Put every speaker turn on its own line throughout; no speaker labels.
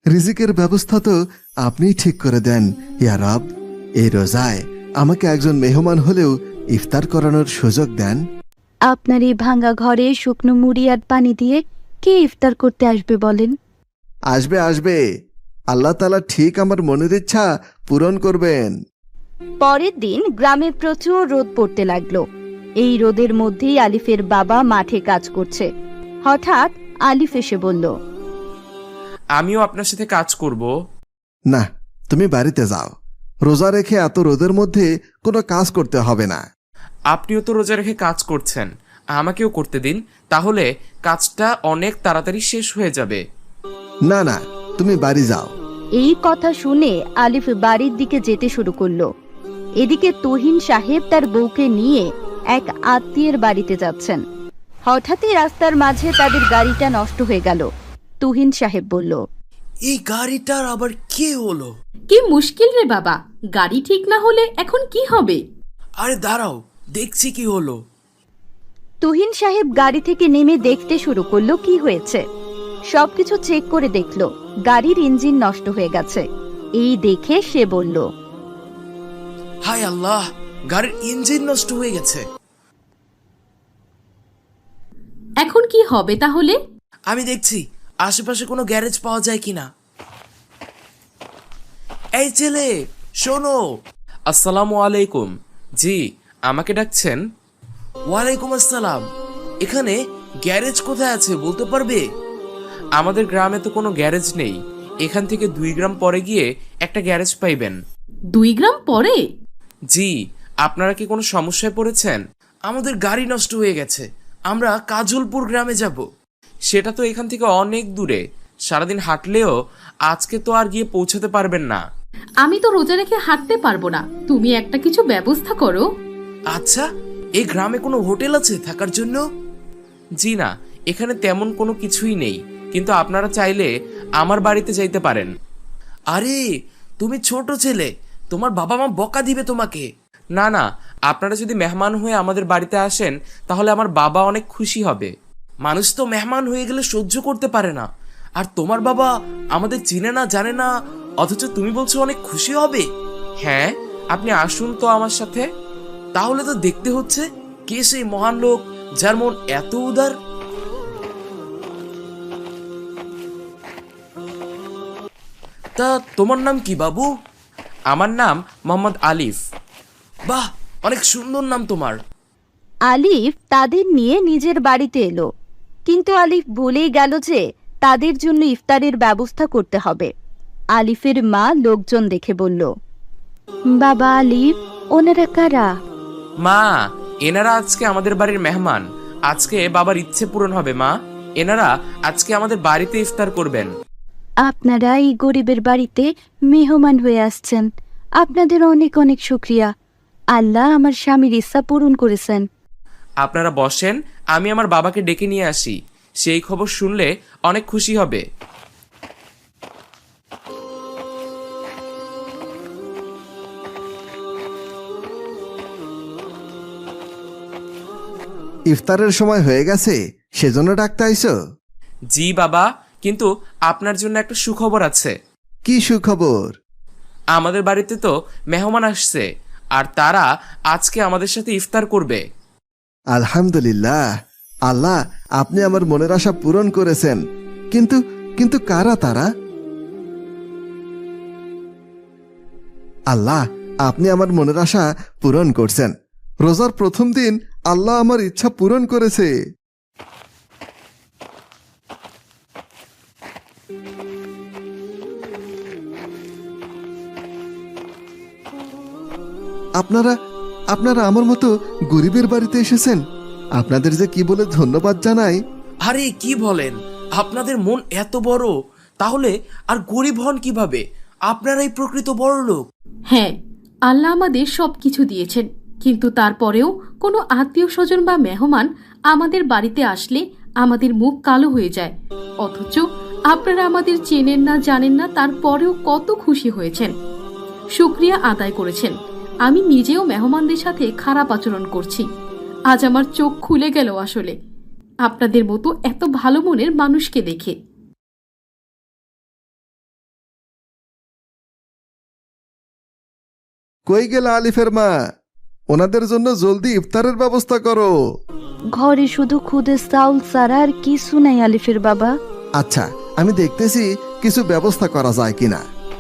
রিজিকের ব্যবস্থা তো আপনিই ঠিক করে দেন ইয়া রব। এই রোজায় আমাকে একজন মেহমান হলেও ইফতার করানোর সুযোগ দেন।
আপনার এই ভাঙা ঘরে শুকনো মুড়ি আর পানি দিয়ে কে ইফতার করতে আসবে বলেন?
আসবে আসবে, আল্লাহ তাআলা ঠিক আমার মনের ইচ্ছা পূরণ করবেন।
পরের দিন গ্রামে প্রচুর রোদ পড়তে লাগলো। এই রোদের মধ্যেই আলিফের বাবা মাঠে কাজ করছে। হঠাৎ আলিফ এসে বলল,
আমিও আপনার সাথে কাজ করব।
না, তুমি বাড়িতে যাও। রোজা রেখে এত রোদের মধ্যে কোনো কাজ করতে হবে না।
আপনিও তো রোজা রেখে কাজ করছেন, আমাকেও করতে দিন, তাহলে কাজটা অনেক তাড়াতাড়ি শেষ হয়ে যাবে।
না না, তুমি বাড়ি যাও।
এই কথা শুনে আলিফ বাড়ির দিকে যেতে শুরু করলো। এদিকে তুহিন সাহেব তার বউকে নিয়ে এক আত্মীয়ের বাড়িতে যাচ্ছেন। হঠাৎই রাস্তার মাঝে তাদের গাড়িটা নষ্ট হয়ে গেল। তুহিন সাহেব বলল,
এই গাড়িটার আবার কি হলো?
কি মুশকিল রে বাবা, গাড়ি ঠিক না হলে এখন কি হবে?
আরে দাঁড়াও, দেখছি কি হলো।
তুহিন সাহেব গাড়ি থেকে নেমে দেখতে শুরু করলো কি হয়েছে। সবকিছু চেক করে দেখলো গাড়ির ইঞ্জিন নষ্ট হয়ে গেছে। এই দেখে সে বলল,
হায় আল্লাহ, গাড়ির ইঞ্জিন নষ্ট হয়ে গেছে।
এখন কি হবে তাহলে?
আমি দেখছি আশেপাশে কোনো গ্যারেজ পাওয়া যায় কিনা। এই ছেলে, শোনো।
আসসালামু আলাইকুম। জি, আমাকে ডাকছেন?
ওয়ালাইকুম আসসালাম। এখানে গ্যারেজ কোথায় আছে বলতে পারবে?
আমাদের গ্রামে তো কোনো গ্যারেজ নেই। এখান থেকে 2 গ্রাম পরে গিয়ে একটা গ্যারেজ পাইবেন।
2 গ্রাম পরে?
জি, আপনারা কি কোনো সমস্যায় পড়েছেন?
আমাদের গাড়ি নষ্ট হয়ে গেছে, আমরা কাজলপুর গ্রামে যাব।
সেটা তো এখান থেকে অনেক দূরে, সারাদিন হাঁটলেও আজকে তো আর গিয়ে পৌঁছাতে পারবেন না।
আমি তো রোজা রেখে হাঁটতে পারবো না, তুমি একটা কিছু ব্যবস্থা করো।
আচ্ছা, এই গ্রামে কোনো হোটেল আছে থাকার জন্য?
জি না, এখানে তেমন কোনো কিছুই নেই, কিন্তু আপনারা চাইলে আমার বাড়িতে যাইতে পারেন।
আরে তুমি ছোট ছেলে, তোমার বাবা মা বকা দিবে তোমাকে।
না না, আপনারা যদি মেহমান হয়ে আমাদের বাড়িতে আসেন তাহলে আমার বাবা অনেক খুশি হবে।
মানুষ তো মেহমান হয়ে গেলে সহ্য করতে পারে না, আর তোমার বাবা আমাদের চিনে না জানে না, অথচ তুমি বলছো অনেক খুশি হবে।
হ্যাঁ, আপনি আসুন তো আমার সাথে।
তাহলে তো দেখতে হচ্ছে কে সেই মহান লোক যার মন এত উদার। তা তোমার নাম কি বাবু?
আমার নাম মোহাম্মদ আলিফ।
বাহ, অনেক সুন্দর নাম তোমার।
আলিফ তাদের নিয়ে নিজের বাড়িতে এলো। কিন্তু আলিফ ভুলেই গেল যে তাদের জন্য ইফতারের ব্যবস্থা করতে হবে। আলিফের মা লোকজন দেখে বলল, বাবা আলিফ, ওনারা কারা?
মা, এনারা আজকে আমাদের বাড়ির মেহমান। আজকে বাবার ইচ্ছে পূরণ হবে মা। এনারা আজকে আমাদের বাড়িতে ইফতার করবেন।
আপনারা এই গরিবের বাড়িতে মেহমান হয়ে আসছেন, আপনাদের অনেক অনেক শুকরিয়া। আল্লাহ আমার স্বামীর ইচ্ছা পূরণ করেছেন।
আপনারা বসেন, আমি আমার বাবাকে ডেকে নিয়ে আসি। সেই খবর শুনলে অনেক খুশি হবে।
ইফতারের সময় হয়ে গেছে, সেজন্য ডাকতে আইছো?
জি বাবা, কিন্তু আপনার জন্য একটা সুখবর আছে।
কি সুখবর?
আমাদের বাড়িতে তো মেহমান আসছে, আর তারা আজকে আমাদের সাথে ইফতার করবে।
আলহামদুলিল্লাহ, আল্লাহ আপনি আমার মনের আশা পূরণ করেছেন। কিন্তু কিন্তু কারা তারা? আল্লাহ, আপনি আমার মনের আশা পূরণ করছেন। রোজার প্রথম দিন আল্লাহ আমার ইচ্ছা পূরণ করেছে। আপনারা আপনারা আমার মতো গরিবের বাড়িতে এসেছেন। আপনাদের যে কি বলে ধন্যবাদ জানাই।
আরে কি বলেন, আপনাদের মন এত বড়, তাহলে আর গরিব হন কিভাবে? আপনারাই প্রকৃত বড় লোক।
হ্যাঁ, আল্লাহ আমাদের সবকিছু দিয়েছেন, কিন্তু তারপরেও কোনো আত্মীয় স্বজন বা মেহমান আমাদের বাড়িতে আসলে আমাদের মুখ কালো হয়ে যায়। অথচ আপনারা আমাদের চেনেন না জানেন না, তারপরেও কত খুশি হয়েছেন, শুকরিয়া আদায় করেছেন। আমি নিজেও মেহমানদের সাথে খারাপ আচরণ করছি। আজ আমার চোখ খুলে গেল আসলে আপনাদের মতো এত ভালো মনের মানুষকে দেখে।
কই গেল আলিফের মা? ওনাদের জন্য জলদি ইফতারের ব্যবস্থা করো।
ঘরে শুধু খুদে চাউল ছাড়া আর কিছু নাই আলিফের বাবা।
আচ্ছা, আমি দেখতেছি কিছু ব্যবস্থা করা যায় কিনা।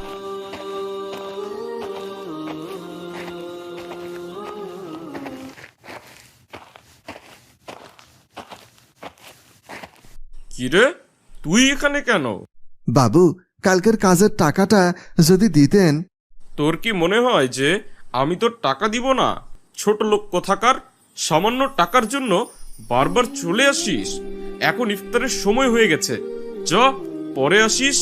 কিরে, তুই এখানে কেন?
বাবু, কালকের কাজের টাকাটা যদি দিতেন।
তোর কি মনে হয় যে আমি তোর টাকা দিব না? ছোট লোক কোথাকার, সামান্য টাকার জন্য বারবার চলে আসিস। এখন ইফতারের সময় হয়ে গেছে, চ পরে আসিস।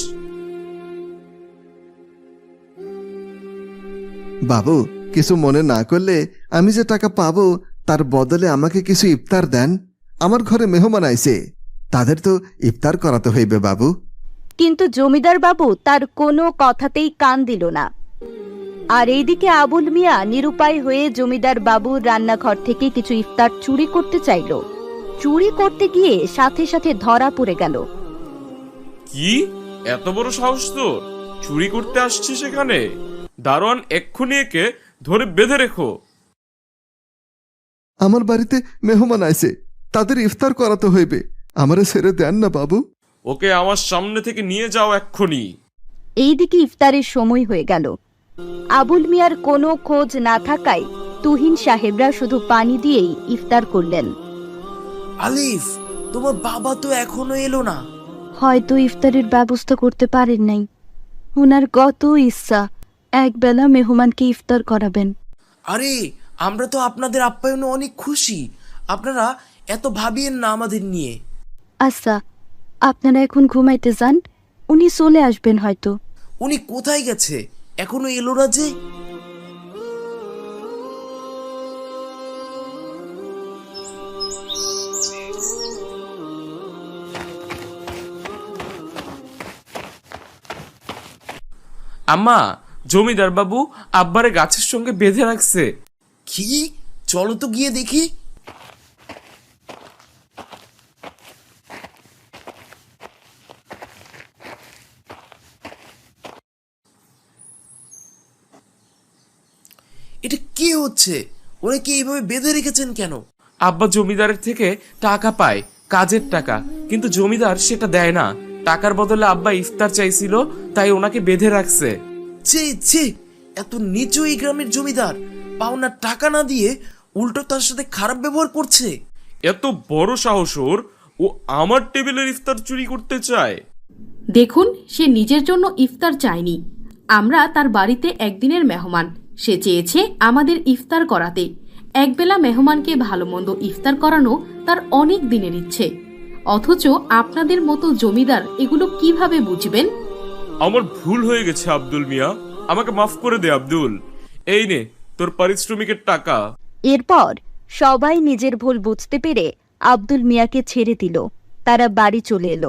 বাবু, কিছু মনে না করলে আমি যে টাকা পাবো তার বদলে আমাকে কিছু ইফতার দেন। আমার ঘরে মেহমান আইছে, তাদের তো ইফতার করাতে হইবে বাবু।
কিন্তু জমিদার বাবু তার কোনো কথাতেই কান দিল না। আর এইদিকে আবুল মিয়া নিরুপায় হয়ে জমিদার বাবুর রান্নাঘর থেকে কিছু ইফতার চুরি করতে চাইল। চুরি করতে গিয়ে সাথে সাথে ধরা পড়ে গেল।
কি এত বড় সাহস তোর? চুরি করতে আসছিস এখানে? দারোয়ান এক্ষুনি একে ধরে বেঁধে রেখো।
আমার বাড়িতে মেহমান আইছে, তাদের ইফতার করাতে হইবে, আমারে ছেড়ে দেন না বাবু।
ওকে আমার সামনে থেকে নিয়ে যাও এক্ষুনি।
এইদিকে ইফতারের সময় হয়ে গেল। আবুল মিয়ার কোনো খোঁজ না থাকায় তুহিন সাহেবরা শুধু পানি দিয়েই ইফতার করলেন।
আলিফ, তোমার বাবা তো এখনো এলো না।
হয়তো ইফতারের ব্যবস্থা করতে পারেন নাই। ওনার কত ইচ্ছা একবেলা মেহমানকে ইফতার করাবেন।
আরে, আমরা তো আপনাদের আপ্যায়নে অনেক খুশি। আপনারা এত ভাবিয়েন না আমাদের নিয়ে।
আচ্ছা, আপনারা এখন ঘুমাইতে যান, উনি চলে আসবেন হয়তো।
উনি কোথায় গেছে? এখনো এলো না যে?
আম্মা, জমিদার বাবু আব্বারে গাছের সঙ্গে বেঁধে রাখছে।
কি? চলো তো গিয়ে দেখি। এটা কি হচ্ছে? ওনাকে এইভাবে বেঁধে রেখেছেন কেন?
আব্বা জমিদারের থেকে টাকা পায়, কাজের টাকা, কিন্তু জমিদার সেটা দেয় না। টাকার বদলে আব্বা ইফতার চাইছিল, তাই ওনাকে বেঁধে রাখছে।
ছি ছি, এত নিচু এই গ্রামের জমিদার পাওনার টাকা না দিয়ে উল্টো তার সাথে খারাপ ব্যবহার করছে।
এত বড় সাহস ওর! ও আমার টেবিলের ইফতার চুরি করতে চায়।
দেখুন, সে নিজের জন্য ইফতার চায়নি। আমরা তার বাড়িতে একদিনের মেহমান। সে চেয়েছে আমাদের ইফতার করাতে। একবেলা মেহমানকে ভালো মন্দ ইফতার করানো তার অনেক দিনের ইচ্ছে। অথচ আপনাদের মতো জমিদার এগুলো কিভাবে বুঝবেন?
আমার ভুল হয়ে গেছে আব্দুল মিয়া, আমাকে মাফ করে দে আব্দুল। এই নে তোর পারিশ্রমিকের টাকা।
এরপর সবাই নিজের ভুল বুঝতে পেরে আব্দুল মিয়াকে ছেড়ে দিল। তারা বাড়ি চলে এলো।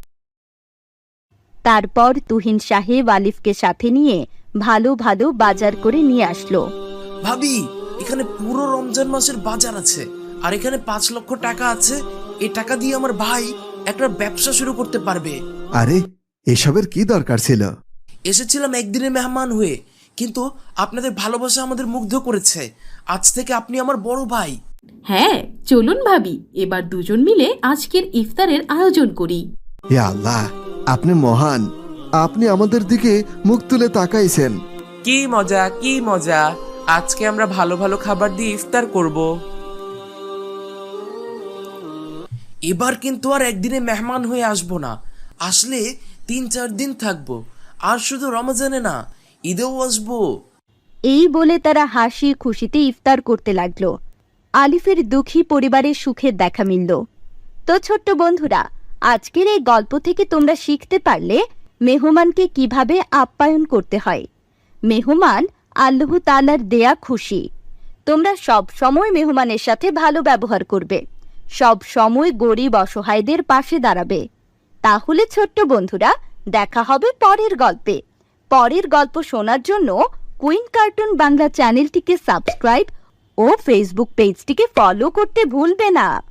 তারপর তুহিন সাহেব আলিফকে সাথে নিয়ে ভালো ভালো বাজার করে নিয়ে আসলো।
ভাবি, এখানে পুরো রমজান মাসের বাজার আছে, আর এখানে 5 লক্ষ টাকা আছে। এই টাকা দিয়ে আমার ভাই একটা ব্যবসা শুরু করতে পারবে।
আরে, এসবের কি দরকার ছিল?
এসেছিলাম একদিনের মেহমান হয়ে, কিন্তু আপনাদের ভালোবাসা আমাদের মুগ্ধ করেছে। আজ থেকে আপনি আমার বড় ভাই।
হ্যাঁ, চলুন ভাবি, এবার দুজন মিলে আজকের ইফতারের আয়োজন করি।
হে আল্লাহ, আপনি মহান। আপনি আমাদের দিকে মুখ তুলে তাকাইছেন।
কি মজা, কি মজা! আজকে আমরা ভালো ভালো খাবার দিয়ে ইফতার করব।
এবার কিন্তু আর একদিনে মেহমান হয়ে আসবো না। আসলে 3-4 দিন থাকবো। আর শুধু রমজানে না, ঈদেও আসবো।
এই বলে তারা হাসি খুশিতে ইফতার করতে লাগলো। আলিফের দুঃখী পরিবারের সুখের দেখা মিলল। তো ছোট্ট বন্ধুরা, আজকের এই গল্প থেকে তোমরা শিখতে পারলে মেহমানকে কিভাবে আপ্যায়ন করতে হয়। মেহমান আল্লাহ তাআলার দেয়া খুশি। তোমরা সব সময় মেহমানের সাথে ভালো ব্যবহার করবে, সব সময় গরিব অসহায়দের পাশে দাঁড়াবে। তাহলে ছোট্ট বন্ধুরা, দেখা হবে পরের গল্পে। পরের গল্প শোনার জন্য কুইন কার্টুন বাংলা চ্যানেলটিকে সাবস্ক্রাইব ও ফেসবুক পেজটিকে ফলো করতে ভুলবে না।